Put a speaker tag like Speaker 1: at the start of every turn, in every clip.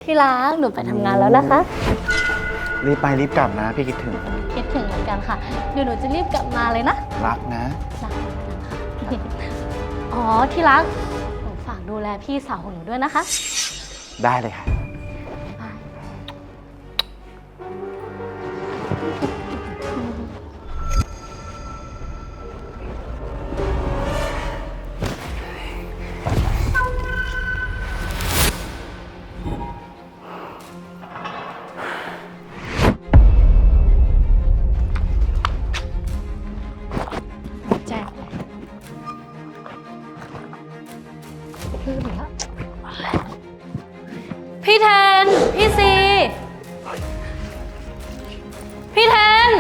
Speaker 1: ที่รักหนูไปทำงานแล้วนะคะ
Speaker 2: รีบไปรีบกลับนะพี่คิดถึง
Speaker 1: คิดถึงเหมือนกันค่ะเดี๋ยวหนูจะรีบกลับมาเลยนะ
Speaker 2: รักนะ
Speaker 1: รักค่ะอ๋อที่รักหนูฝากดูแลพี่สาวของหนูด้วยนะคะ
Speaker 2: ได้เลยค่ะ
Speaker 1: บ๊ายบายแจ้งลืมแล้วพี่แทน พี่ซี พี่แทน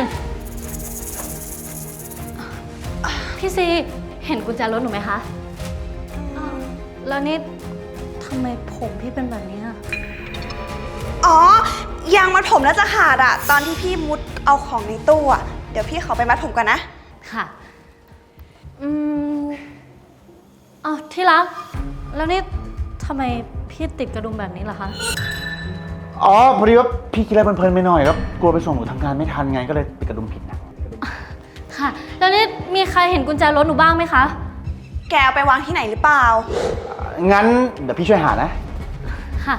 Speaker 1: พี่ซี เห็นกุญแจรถหนูไหมคะอ้าวแล้วนี่ทำไมผมพี่เป็นแบบนี้อะ
Speaker 3: อ๋อยางมัดผมแล้วจะขาดอะตอนที่พี่มุดเอาของในตู้อะเดี๋ยวพี่ขอไปมัดผมก่อนนะ
Speaker 1: ค่ะ อ้าวที่รัก แล้วนี่ทำไมพี่ติดกระดุมแบบนี้ล่ะคะ
Speaker 2: อ๋อพอดีว่าพี่คิดอะไรเพลินๆไปหน่อยครับกลัวไปส่งหนูทำงานไม่ทันไงก็เลยติดกระดุมผิดนะ
Speaker 1: ค่ะ แล้วนี่มีใครเห็นกุญแจรถหนูบ้างไหมคะ
Speaker 3: แกเอาไปวางที่ไหนหรือเปล่า
Speaker 2: งั้นเดี๋ยวพี่ช่วยหานะ
Speaker 1: ค่ะ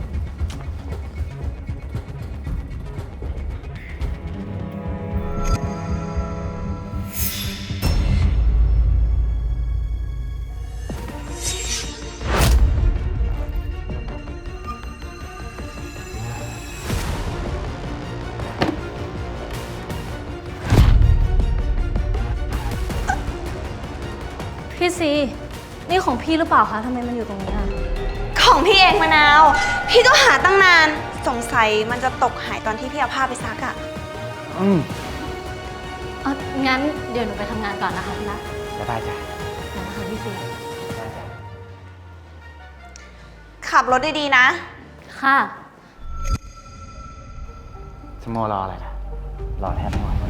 Speaker 1: พี่ซี นี่ของพี่หรือเปล่าคะทำไมมันอยู่ตรงนี้อะ
Speaker 3: ของพี่เองมะนาว พี่ก็หาตั้งนาน สงสัยมันจะตกหายตอนที่พี่เอาผ้าไปซักอะ
Speaker 2: อืม
Speaker 1: อ๋องั้นเดี๋ยวหนูไปทำงานก่อนนะคะพี่รัก
Speaker 2: บ๊ายบายจ้ะ
Speaker 1: เดี๋ยวนะคะพี่ซี
Speaker 3: ขับรถดีๆนะ
Speaker 1: ค่ะ
Speaker 2: สโมรออะไรล่ะ รอแทบไม่ไหวแล้ว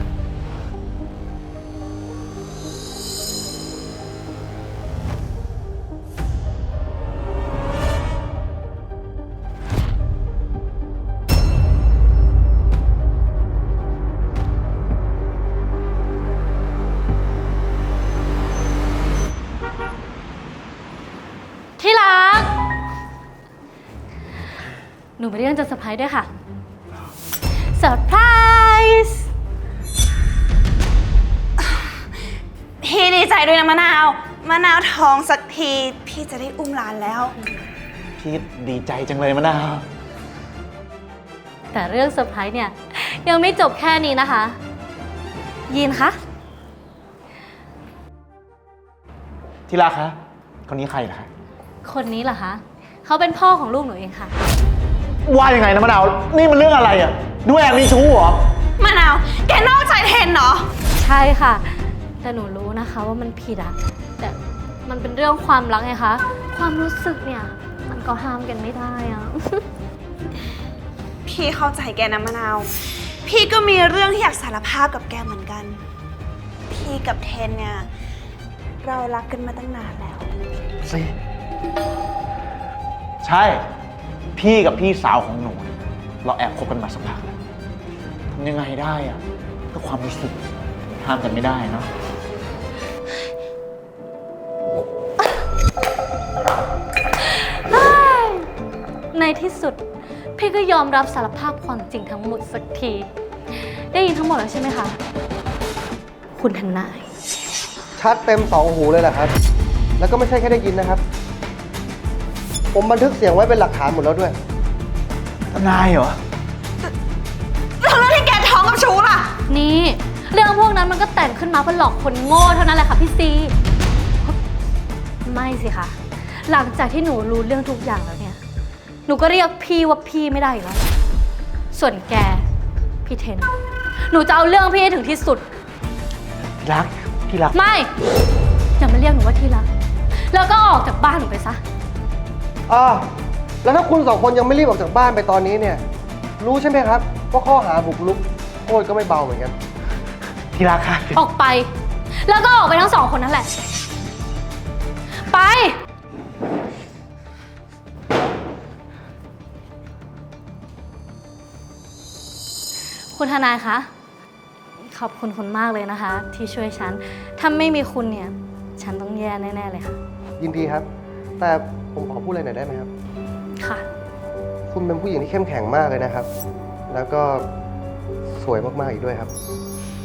Speaker 1: ที่รัก หนูมีเรื่องจะเซอร์ไพรส์ด้วยค่ะเซอร์ไพรส์
Speaker 3: พี่ดีใจด้วยนะมะนาว มะนาวท้องสักที พี่จะได้อุ้มหลานแล้ว
Speaker 2: พี่ดีใจจังเลยมะนาว
Speaker 1: แต่เรื่องเซอร์ไพรส์เนี่ย ยังไม่จบแค่นี้นะคะ ยินคะ
Speaker 2: ที่รักคะคนนี้ใครเหรอคะ
Speaker 1: คนนี้เหรอคะ เขาเป็นพ่อของลูกหนูเองค่ะ
Speaker 2: ว่ายังไงนะมะนาว นี่มันเรื่องอะไรอ่ะดูแอบมีชู้เหรอ
Speaker 3: มะนาว แกนอกใจเทนเหรอ
Speaker 1: ใช่ค่ะ แต่หนูรู้นะคะว่ามันผิดอะแต่มันเป็นเรื่องความรักไงคะ ความรู้สึกเนี่ย มันก็ห้ามกันไม่ได้อะ
Speaker 3: พี่เข้าใจแกนะมะนาว พี่ก็มีเรื่องที่อยากสารภาพกับแกเหมือนกัน พี่กับเทนเนี่ย เรารักกันมาตั้งนานแล้ว
Speaker 2: สิใช่ พี่กับพี่สาวของหนูเนี่ยเราแอบคบกันมาสักพักแล้วทำยังไงได้อะก็ความรู้สึกห้ามกันไม่ได้เนาะ
Speaker 1: ในที่สุด พี่ก็ยอมรับสารภาพความจริงทั้งหมดสักที ได้ยินทั้งหมดแล้วใช่ไหมคะ คุณทนาย
Speaker 4: ชัดเต็มสองหูเลยแหละครับ แล้วก็ไม่ใช่แค่ได้ยินนะครับ ผมบันทึกเสียงไว้เป็นหลักฐานหมดแล้วด้วย
Speaker 2: ทนายเหรอ
Speaker 3: แล้วเรื่องที่แกท้องกับชูล่ะ
Speaker 1: นี่ เรื่องพวกนั้นมันก็แต่งขึ้นมาเพื่อหลอกคนโง่เท่านั้นแหละค่ะพี่ซี ไม่สิคะหลังจากที่หนูรู้เรื่องทุกอย่างแล้วเนี่ย หนูก็เรียกพี่ว่าพี่ไม่ได้อีกแล้ว ส่วนแก พี่เทน หนูจะเอาเรื่องพี่ให้ถึงที่สุด
Speaker 2: ที่รัก ที่รัก
Speaker 1: ไม่ อย่ามาเรียกหนูว่าที่รัก แล้วก็ออกจากบ้านหนูไปซะ
Speaker 4: แล้วถ้าคุณสองคนยังไม่รีบออกจากบ้านไปตอนนี้เนี่ย รู้ใช่ไหมครับว่าข้อหาบุกรุกโทษก็ไม่เบาเหมือนกัน
Speaker 2: ที่รักค่ะ
Speaker 1: ออกไป แล้วก็ออกไปทั้งสองคนนั่นแหละ ไปคุณทนายคะ ขอบคุณคุณมากเลยนะคะ ที่ช่วยฉัน ถ้าไม่มีคุณเนี่ย ฉันต้องแย่แน่ๆเลยค่ะ
Speaker 4: ยินดีครับ แต่ผมขอพูดอะไรหน่อยได้ไหมครับ
Speaker 1: ค่ะ
Speaker 4: คุณเป็นผู้หญิงที่เข้มแข็งมากเลยนะครับ แล้วก็สวยมากๆอีกด้วยครับ